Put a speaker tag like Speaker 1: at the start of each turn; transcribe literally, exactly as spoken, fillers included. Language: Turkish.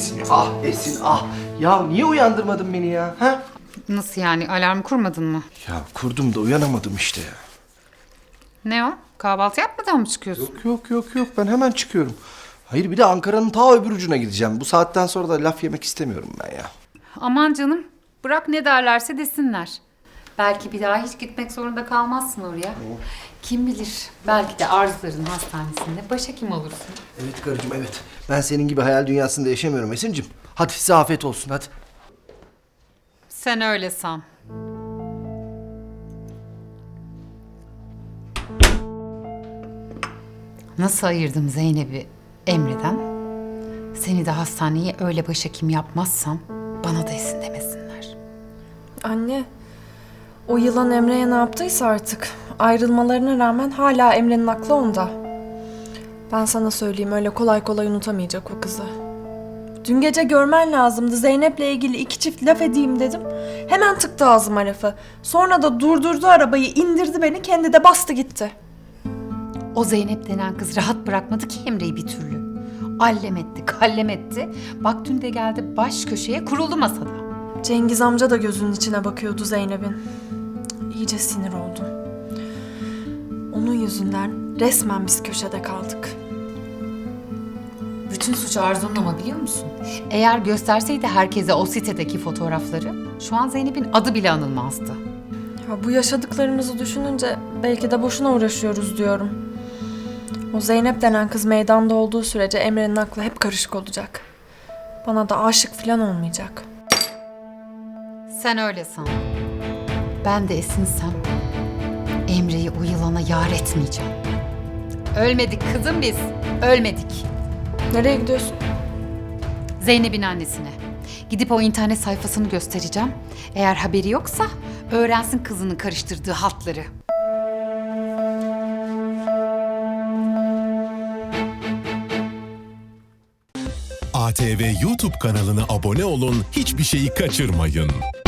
Speaker 1: Esin, ah Esin, ah. Ya niye uyandırmadın beni ya? Ha?
Speaker 2: Nasıl yani? Alarm kurmadın mı?
Speaker 1: Ya kurdum da uyanamadım işte ya.
Speaker 2: Ne o? Kahvaltı yapmadan mı çıkıyorsun?
Speaker 1: Yok yok yok yok ben hemen çıkıyorum. Hayır bir de Ankara'nın ta öbür ucuna gideceğim. Bu saatten sonra da laf yemek istemiyorum ben ya.
Speaker 2: Aman canım. Bırak ne derlerse desinler. Belki bir daha hiç gitmek zorunda kalmazsın oraya. Kim bilir? Belki de Arzuların hastanesinde başhekim olursun.
Speaker 1: Evet karıcığım evet. Ben senin gibi hayal dünyasında yaşamıyorum Esin'cim. Hadi size afiyet olsun hadi.
Speaker 2: Sen öyle san. Nasıl ayırdım Zeynep'i Emre'den? Seni de hastaneye öyle başhekim yapmazsam bana da Esin demesinler.
Speaker 3: Anne, o yılan Emre'ye ne yaptıysa artık ayrılmalarına rağmen hala Emre'nin aklı onda. Ben sana söyleyeyim öyle kolay kolay unutamayacak o kızı. Dün gece görmen lazımdı. Zeynep'le ilgili iki çift laf edeyim dedim. Hemen tıktı ağzıma lafı. Sonra da durdurdu arabayı, indirdi beni, kendi de bastı gitti.
Speaker 2: O Zeynep denen kız rahat bırakmadı ki Emre'yi bir türlü. Allem etti, kallem etti. Bak dün de geldi baş köşeye kuruldu masada.
Speaker 3: Cengiz amca da gözünün içine bakıyordu Zeynep'in. İyice sinir oldum. Onun yüzünden resmen biz köşede kaldık.
Speaker 2: Bütün suç Arzu'nun ama biliyor musun? Eğer gösterseydi herkese o sitedeki fotoğrafları şu an Zeynep'in adı bile anılmazdı.
Speaker 3: Ya bu yaşadıklarımızı düşününce belki de boşuna uğraşıyoruz diyorum. O Zeynep denen kız meydanda olduğu sürece Emre'nin aklı hep karışık olacak. Bana da aşık falan olmayacak.
Speaker 2: Sen öyle san. Ben de Esin'sem Emre'yi o yılana yar etmeyeceğim. Ölmedik kızım biz, ölmedik.
Speaker 3: Nereye gidiyorsun?
Speaker 2: Zeynep'in annesine. Gidip o internet sayfasını göstereceğim. Eğer haberi yoksa öğrensin kızının karıştırdığı hatları.
Speaker 4: A T V YouTube kanalına abone olun, hiçbir şeyi kaçırmayın.